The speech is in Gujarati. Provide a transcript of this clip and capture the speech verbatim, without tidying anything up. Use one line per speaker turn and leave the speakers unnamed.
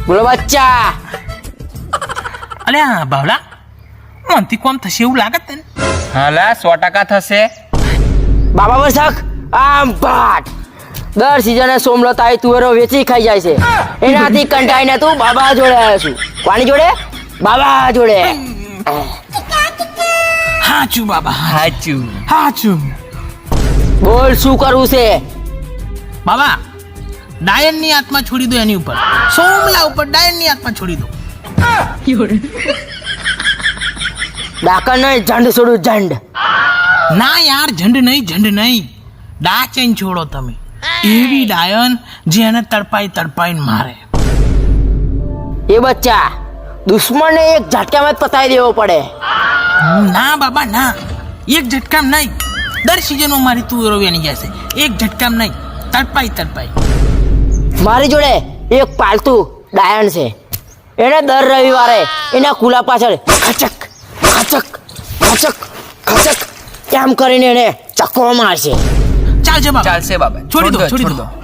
બોલો બચ્ચા.
અલે આ બાવલા મનથી કોમ થશે એવું લાગત તને?
હાલા સો ટકા થશે.
બાબા બસક આમ પાટ દર સિઝને સોમલત આવી તુવેરો વેચી ખાઈ જાય છે. એનાથી કંટાઈને તું બાબા જોડે આવ્યો છું. કોની જોડે? બાબા જોડે.
હાચું બાબા,
સાચું.
હાચું.
બોલ શું કરવું છે?
બાબા ડાયનની આત્મા છોડી દો એની ઉપર, સોમલા ઉપર ડાયનની આત્મા છોડી દો.
ડાકર નહીં, ઝંડ છોડું, ઝંડ.
ના યાર, ઝંડ નહીં, ઝંડ નહીં, ડાચેન છોડો તમે. એવી ડાયન જે એને તડપાઈ તડપાઈને મારે.
એ બચ્ચા દુશ્મનને એક ઝટકામાં જ પતાવી દેવો પડે.
ના બાબા ના, એક ઝટકામ નહીં. દર સિઝનમાં મારી તુવેરો વેની જશે, એક ઝટકામ નહીં, તડપાઈ તડપાઈ.
મારી જોડે એક પાલતુ ડાયન છે. એને દર રવિવારે એના કુલા પાછળ ખચક ખચક ખચક ખચક એમ કરીને એને ચક્કો મારશે.
ચાલશે બાબા,
ચાલશે બાબા.
છોડી દો, છોડી દો.